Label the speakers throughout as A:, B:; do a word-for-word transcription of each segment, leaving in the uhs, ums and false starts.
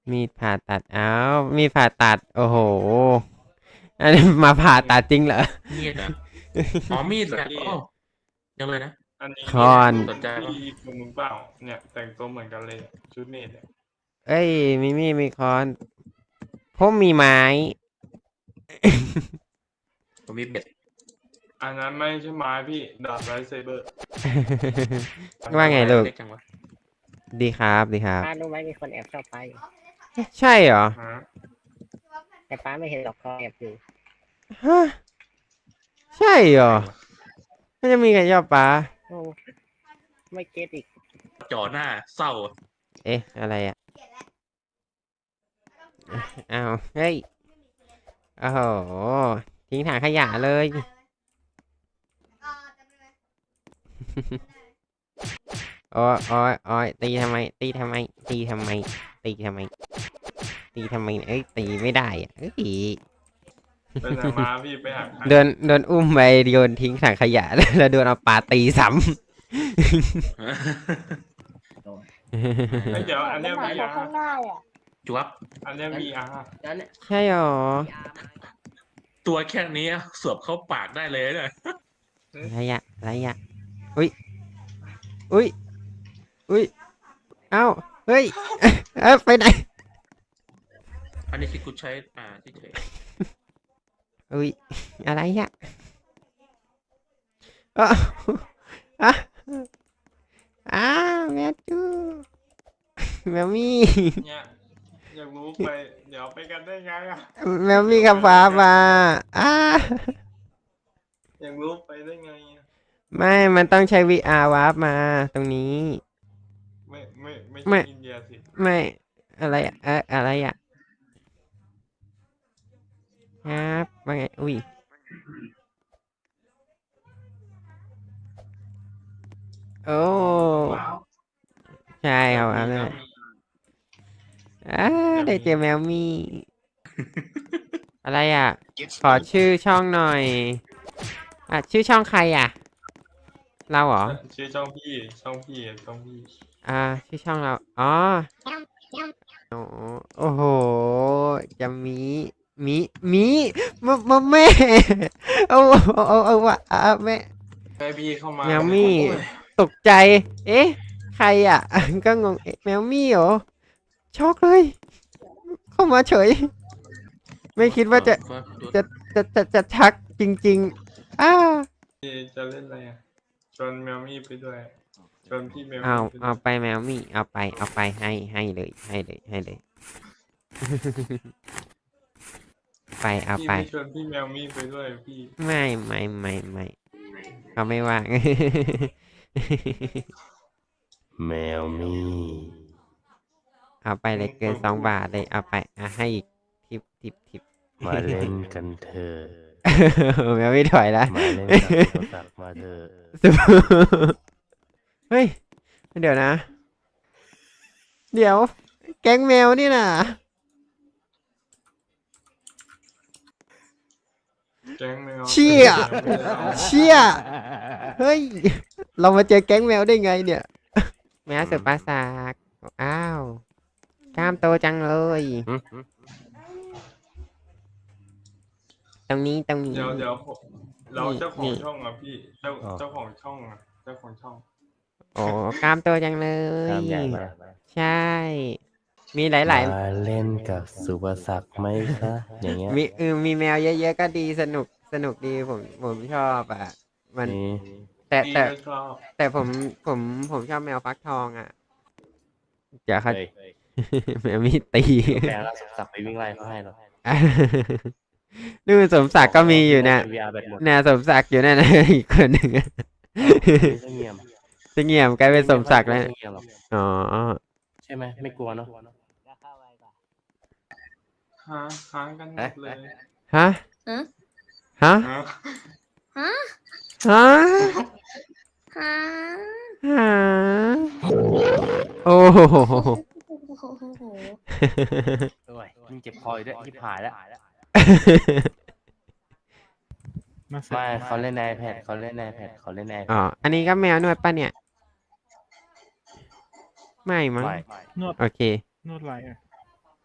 A: มีดผ่าตัดอ้าวมีดผ่าตัดโอ้โหอันนี้มาผ่าตัดจริงเหรอ
B: มีดอ่ะอ๋อมีดเหรอ
C: พี่
B: โอ้ยังเลยนะ
C: อันนี้
A: คอน
B: สนใจปะ
C: พี่คนมึงเปล่าเนี่ยแต่งตัวเหมือนกันเลยชุดเนตเนี่ย
A: เอ้ยมีมีดมีค้อนผมมีไม้
B: ผมมีเบ็ด
C: อันนั้นไม่ใช่ไม้พี่ดาบไรเซเบอร์
A: ว่าไงลูก
B: เล็กจังวะ
A: ดีครับดีครับ
D: ป้ารู้ไหมมีคนแอบชอบป้าอยู่
A: ใช่เหรอ
C: ฮะ
D: แต่ป้าไม่เห็นหรอกเขาแอบอยู่
A: ฮะใช่เหรอมันจะมีใครชอบปลา
D: โอ้ไม่เก็ตอีก
B: จ่อหน้าเศร้า
A: เอ๊ะอะไรอ่ะอ้าวเฮ้ยโอ้โหทิ้งถังขยะเลยโอ้ยโอ้ยโอ้ยตีทำไม ตีทำไม ตีทำไม ตีทำไม ตีทำไมเอ้ยตีไม่ได้อ่ะเอ้ย
C: ไปไหนมาพี่ไปหาใคร
A: โดนโดนอุ้มไปโยนทิ้งถังขยะ แล้วโดนเอาปลาตีซ้
C: เฮ้ยเดี๋ยวอันเนี้ย
E: หา
C: วี
E: จาก
C: อา
E: ข้าง
C: ร์
E: หน้าอ่ะ
B: จวบ
C: อันเนี้ยวีอาร์
A: ำใช่หรอ
B: ตัวแค่นี้สวบเข้าปากได้เลยเนี่ย
A: อะไรอะอะไรอะอุ้ยอุ้ยอุ้ยเอ้าเฮ้ย เอ้าไปไหน
B: อันนี้คือกูใช้อ่าที่เฉย
A: อุ้ยอะไรอะอ้าวอ่ะอ้าวแมวจูแมวมี่
C: เนี่ยอยากรู้ไปเดี๋ยวไปกันได้ไงอ่ะ
A: แมวมี่กับฟ้ามาอ้า
C: อยากรู้ไปได้ไงอะ
A: ไม่ มันต้องใช้ วี อาร์ วาร์ปมาตรงนี้
C: ไม่ไม่ไม่
A: ไม่
C: ใช่อินเดียสิ
A: ไม่ อะไรอะเอะอะไรอะครับว่าไง อุ้ย โอ้ ใช่ครับอันนั้นอ่าได้เจอแมวมี่ อะไรอ่ะ ขอชื่อช่องหน่อย อ่ะ ชื่อช่องใครอ่ะ เราเหรอ
C: ชื่อช่องพี่ช่องพี่ช่องพี่
A: อ่า ชื่อช่องเรา อ๋อโอ้โอ้โห จะมี มี มีมามาแม่ เอาเอาเอาเอาว่ะอ่ะแม่
C: แม่พี่เข้ามา
A: แมวมี่ ตกใจ เอ๊ะ ใครอ่ะ ก็งงเอ๊ะแมวมี่เหรอ ช็อกเลย เข้ามาเฉย ไม่คิดว่าจะ จะ จะ จะ จะชักจริงๆ อ้า
C: พี่จะเล่นอะไรอ่ะชวนแมวมี่ไปด้วยชวนพี่แมว
A: เอา
C: มี่ไปด้
A: เอา
C: วย
A: ไปแมวมี่ เอาไป เอาไป ให้ ให้เลย ให้เลย ให้เลย ไป เอา
C: พี่
A: ไป
C: ไม่ชวนพี่แมวมี่ไปด้วยพี่
A: ไม่ไม่ไม่ไม่เขาไม่ว่าง
F: แมวมี่
A: เอาไปเลยเกินสองบาทเลย เอาไป อ่ะให้อีกทิปทิปทิป
F: มาเล่นกันเถอะ
A: แมวไม่ถอยแล้ว
F: มาเล่นกับโทรศัพท์มาเถอะ
A: เฮ้ย เดี๋ยวนะ เดี๋ยว แก๊งแมวนี่น่ะ
C: แก๊งแมว
A: เชี่ย เชี่ย เฮ้ย เรามาเจอแก๊งแมวได้ไงเนี่ย แมวสุดประสาทอ้าว กล้ามโตจังเลย
F: หึ
A: ตรงนี้ตรงนี้
C: เดี๋ยวเดี๋ยวผมเรา
A: นี่
C: เจ้าขอ
A: นี่
C: งช่องอ่ะพี่เจ้าเจ้าของช่องอ่ะเจ้าของช่อง
A: โอ้กล้ามโตจังเล
F: ตาย มใหญ่มา
A: ใช่ มีหลาย
F: มาเล่นกับสุภศักดิ์ไหมคะอย่างเงี้ย
A: ๆ มีเออมีแมวเยอะๆก็ดีสนุกสนุกดีผมผมชอบอ่ะ มัน
F: นี่
A: แต่
C: พี่
A: แต่
C: ก็ชอบ
A: แต่ผมผมผมชอบแมวฟักทองอ่ะเดี๋ยวเขา
F: เฮ้ย
A: แมวมีตี
F: แปลแล้วสุภศักดิ์ไปวิ่งไล่เขาให้หรอ
A: นู่นสมศักดิ์ก็มีอยู่นะ
F: วี อาร์ แบตหมด
A: น่ะสมศักดิ์อยู่นั่นนะ อีกคนหนึ่งอะ
F: ไม่เงียบ
A: จะเงียบกลายเป็นสมศักดิ์แล้ว
F: ไม่เงียบหรอก
A: อ๋อ
F: ใช่ไหมไม่กลัวเนาะ
C: ค้างค้างกันหมดเลย
A: ฮะ
E: ฮะ
A: ฮะ
C: ฮะ
E: ฮะ
A: ฮะ
E: ฮะ
A: ฮะโอ้โห
E: โอ้โห
F: โอ้ยยิ่งเจ็บคออยู่ด้วยยิบหายแล้วไม่เขาเล่นใน iPad เขาเล่นใน iPad เขาเล่นใน
A: อ๋อ
F: iPad
A: อันนี้ก็แมวนวดป่ะเนี่ย ไม่มั้ง
F: ไม่
G: นวด
A: โอเค
G: นวดอะไรอ่ะ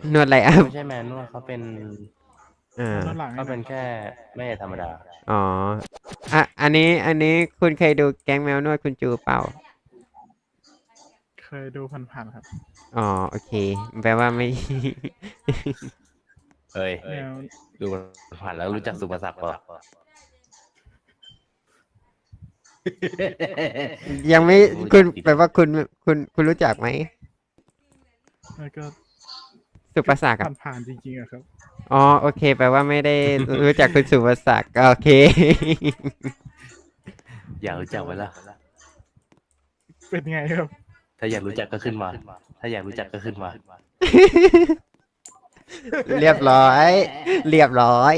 A: นวดไลอัพ
F: ไม่ใช่แมนนวดเขาเป็น
A: อ่า
G: ด้านหลัง
F: เขาเป็นแค่ไม่ใช่ธรรมดา
A: อ๋ออ่ะอันนี้อันนี้คุณเคยดูแก๊งแมวนวดคุณจูเปล่า
G: เคยดูผ่านๆครับ
A: อ๋อโอเค แปลว่าไม่
F: เฮ้ย
G: แมว
F: ดูผ่านแล้วรู้จักสุภศักดิ์เปล่า
A: ยังไม่คุณแปลว่าคุณคุณคุณรู้จักไหม
G: แล้วก็
A: สุภศักดิ์อะ
G: ผ่านๆจริงๆอะครับ
A: อ๋อโอเค แปลว่าไม่ได้รู้จักคุณสุภศักดิ์โอเค
F: อยากรู้จักไว้ละ
G: เป็นไงครับ
F: ถ้าอยากรู้จักก็ขึ้นมา ถ้าอยากรู้จักก็ขึ้นมา
A: เรียบร้อย เรียบร้อย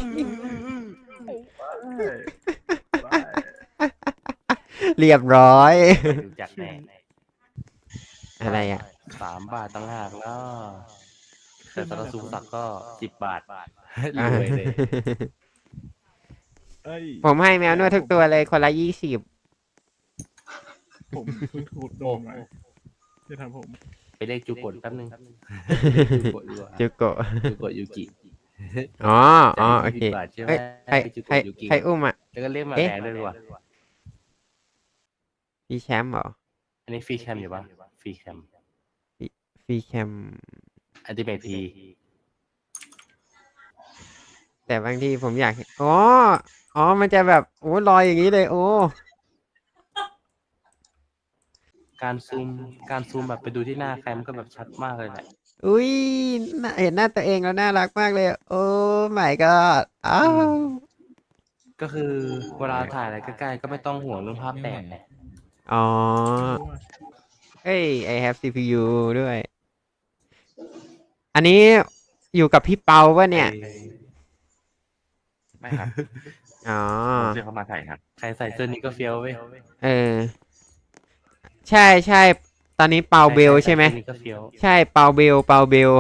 A: เรียบร้อย
F: รู้จักแน่
A: อะไรอ่ะ
F: สามบาทตั้งหากแล้วแต่สำหรับสุภศักดิ์ก็สิบบาทรวยเลย
G: เอ้ย
A: ผมให้แมวนวดทุกตัวเลยคนละยี่สิบ
G: ผมเพิ่งขูดโดนมาจะทำผม
F: ไปเรียกจูโกะแป๊บนึงจูโกะดีกว่า
A: จูโกะ
F: จูโกะยูกิ
A: อ๋ออ๋อโอเค
F: จ่ายยี่สิบบาทใช่ไหม
A: เอ้ยใคร
F: ไปจู
A: ใคร
F: โกะยูกิ
A: ใครอุ้มอ่ะ
F: แล้วก็เรียกมา
A: เอ๊ะ
F: แดงด้วยดีกว่า
A: พี่แชมป์เหรอ
F: อันนี้ฟรีแคมอยู่ปะฟรีแคม
A: ฟรีแคม
F: อันติเมทพี
A: แต่บางทีผมอยากเห็นอ๋อ อ๋อ มันจะแบบ โอ้ลอยอย่างนี้เลย โอ้
F: การซูมการซูมแบบไปดูที่หน้าใครมันก็แบบชัดมากเลยแหละ
A: อุ้ยน่าเห็นหน้าตัวเองแล้วน่ารักมากเลย โอ้ my god อ้าว
F: ก็คือเวลาถ่ายอะไรใกล้ๆก็ไม่ต้องห่วงเรื่องภาพแตกไง
A: อ๋อ เอ้ย I have ซี พี ยู ด้วย อันนี้อยู่กับพี่เปาปะเนี่ย
F: ไม่ครับ
A: อ๋อ
F: เดี๋ยวเขามาถ่ายครับใครใส่เสื้อนี้ก็เฟี้ยวเว้ย
A: เออ ใช่ใช่ ตอนนี้เปาเบลใช่ไหม
F: ใครใส่เสื้อนี้ก็เฟี้ยว
A: ใช่ เปาเบล เปาเบล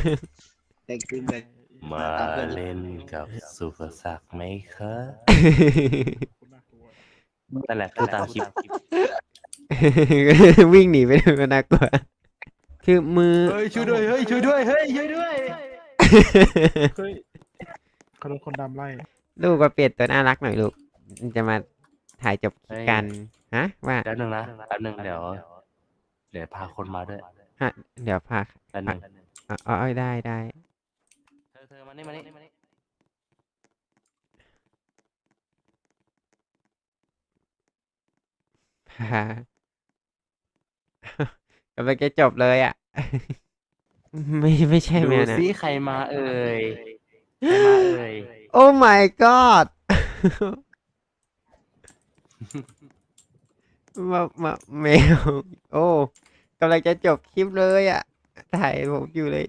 F: มาเล่นกับสุภศักดิ์ไหมครับ
G: คุณน่ากลัว
F: นั่นแหละคือตามคลิป
A: วิ่งหนีไปเลยก็น่ากลัว คือมือ
F: เฮ้ยช่วยด้วยเฮ้ยช่วยด้วยเฮ้ยช่วยด้วย
G: เฮ้ยเขาโดนคนดำไล่
A: ลูกก็เปลี่ยนตัวน่ารักหน่อยลูก จะมาถ่ายจบคลิปกัน ฮะ ว่า
F: แป๊บนึงนะแป๊บนึงเดี๋ยวเดี๋ยวพาคนมาด้วย
A: ฮะ เดี๋ยวพา
F: แป๊บนึง
A: อ๋ออ๋อได้ได้
F: เธอเธอมานี่มานี่มานี่
A: พา กำลังจะจบเลยอ่ะ ไม่ไม่ใช่แม
F: ดู
A: วนะ
F: ซิใครมาเอ่ยใครมาเอ่ย
A: โอ้ my god มามาแมว โอ้กำลังจะจบคลิปเลยอ่ะ ถ่ายผมอยู่เลย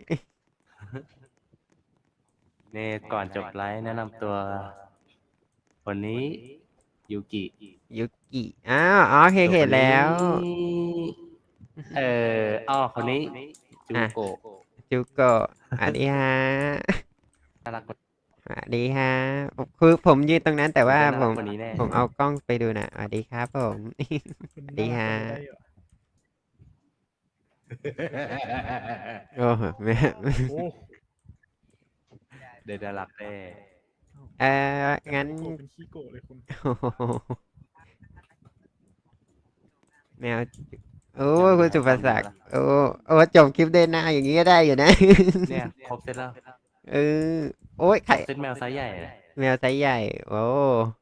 F: เนี่ยก่อนจบไลฟ์แนะนำตัวคนนี้ยูกิ
A: ยุกิอ้าวอ๋อเคยเห็นแล้ว
F: คนนี้เอออ้อคนนี้จูโกะ
A: จูโกะสวัสดีฮะ
F: น่ารักกว่า
A: สวัสดีฮะ คือผมยืนตรงนั้นแต่ว่า
F: น่า
A: ผ
F: รัก
A: ม
F: กว่านี้แน่
A: ผมเอากล้องไปดูนะสวัสดีครับผม
G: คุณ
A: ดีฮะ
G: ได้เหรอ
A: โอ้โหแม่
G: โอ้
F: เดี๋ยวน่ารักแน่
A: เอองั้น
G: โกะเป็นขี้โกะเลยคุณ
A: โอ้โหแมวโอ้คุณสุภศักดิ์โอ้โอ้จบคลิปได้หน้าอย่างนี้ก็ได้อยู่นะ
F: เนี่ยครบเซตแล้ว
A: เออโอ้ย
F: คร
A: ไข่
F: บเซตแมวไซส์ใหญ่นะ
A: แมวไซส์ใหญ่ โอ้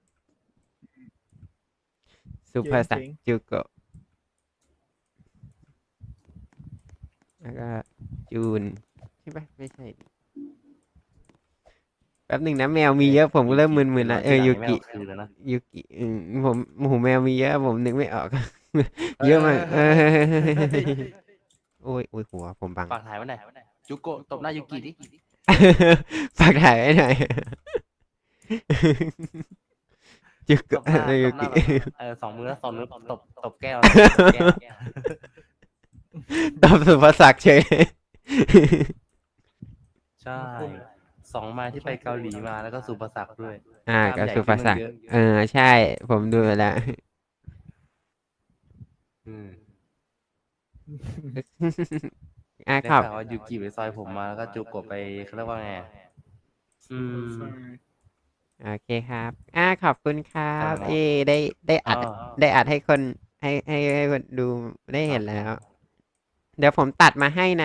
A: สุภศักดิ์จูโกะแล้วก็จูนใช่ปะไม่ใช่ดิแป๊บหนึ่งนะแมวมีเยอะผมก็เริ่มมึนๆละเออยูกิ
F: คือแล้วนะ
A: ยูกิอืมผมโหแมวมีเยอะผมนึกไม่ออก เยอะมากเออโอ้ยโอ้ยหัวผมบัง
F: ฝากถ่ายไว้หน่อยจูโกะตบหน้ายูกิดิ
A: ฝากถ่ายไว้หน่อย จุก
F: ตบหน้า
A: เออ
F: ต
A: ยู
F: บหน้า
A: กิ
F: แบบเออสองมือแล้วสองนิ้วตบตบแก้วตบแก้ว
A: ตอบสุภาษักดิ์เฉย
F: ใช่สองไม้ที่ไปเกาหลีมาแล้วก็สุภศักดิ์ด้วย
A: อ่ากับสุภาษักดิ์
F: เยอะ
A: เออใช่ ผมดูแล้ว
F: อืม
A: อ่ะ
F: ได้
A: ขอบ
F: ข่าวว่ายูกิไปซอยผมมาแล้วก็จูกบไปเขาเรียกว่าไงอืม
A: โอเคครับอ่าขอบคุณครับ
F: ครับ
A: เอ้ได้ได้อัด
F: อ๋อ
A: ได้อัดให้คนให้ให้ให้คนดูได้เห็นแล้ว เดี๋ยวผมตัดมาให้นะ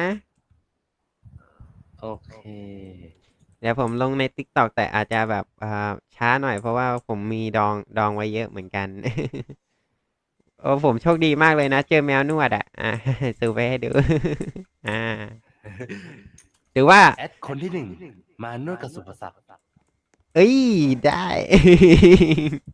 F: โอเค
A: เดี๋ยวผมลงใน TikTok แต่อาจจะแบบอ่าช้าหน่อยเพราะว่าผมมีดองดองไว้เยอะเหมือนกัน โอ้ผมโชคดีมากเลยนะ เจอแมวนวดอ่ะ อ่า สูไปให้ดู อ่าหรือว่า
F: แอดคนที่หนึ่งมานวดกับสุภศักดิ์
A: เอ้ย ได้